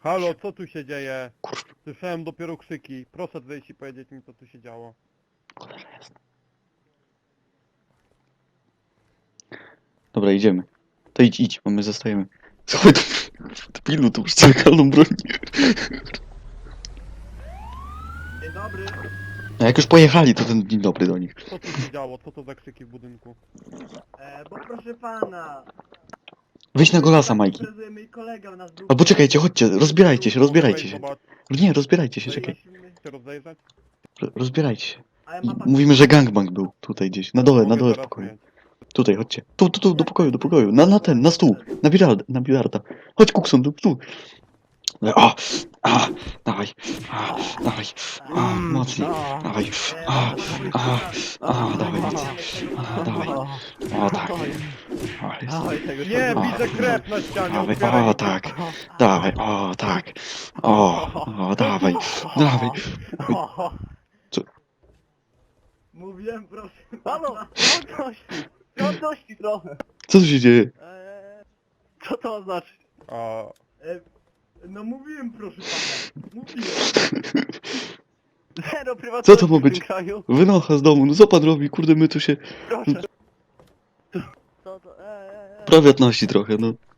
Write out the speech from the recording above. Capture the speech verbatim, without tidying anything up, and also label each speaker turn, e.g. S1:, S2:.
S1: Halo, co tu się dzieje?
S2: Kurwa,
S1: Słyszałem dopiero krzyki. Proszę wyjść i powiedzieć mi, co tu się działo.
S2: cholera jest. Dobra, idziemy. To idź, idź, bo my zostajemy. Słuchaj, to... Ty pilu, tu już legalną broń.
S3: Dzień dobry.
S2: A jak już pojechali, to ten dzień dobry do nich.
S1: Co tu się działo? Co to za krzyki w budynku?
S3: E, bo proszę pana.
S2: Weź na golasa, Majki.
S3: Imprezuje mój kolega nas był.
S2: Albo czekajcie, chodźcie, rozbierajcie się, rozbierajcie
S1: Weź
S2: się.
S1: zobacz.
S2: Nie, rozbierajcie się,
S1: Weź
S2: czekaj.
S1: się rozejrzeć.
S2: Ro- Rozbierajcie się.
S3: A ja
S2: I
S3: ma pan...
S2: mówimy, że gangbang był tutaj gdzieś. Na dole, na
S1: Mogę
S2: dole w
S1: teraz
S2: pokoju.
S1: mieć.
S2: Tutaj, chodźcie. Tu, tu, tu, do pokoju, do pokoju. Na, na ten, na stół. Na bilarda, na bilarda. Chodź, Kukson, tu, tu. O, a, dawaj, a, dawaj, a, mocniej, dawaj,
S3: E,
S2: a,
S3: proszę
S2: a,
S3: pana.
S2: a, dawaj, a, dawaj, o tak, o, jest,
S1: Nie,
S2: O.
S1: widzę krew na ścianie.
S2: dawaj,
S1: otwieraj.
S2: o tak, dawaj, o tak, o, o, dawaj, dawaj.
S3: Mówiłem, proszę
S4: Halo,
S3: pana.
S4: ciągłości! Ciągłości trochę!
S2: Co tu się dzieje?
S4: Eee, co to znaczy?
S1: A,
S3: E, no mówiłem, proszę pana. Mówiłem.
S4: Zero prywatności
S2: Co to ma
S4: w tym
S2: być?
S4: kraju.
S2: Wynocha z domu, no co pan robi? Kurde, my tu się
S4: Proszę. Co to? Eee, eee, eee.
S2: prywatności trochę, no.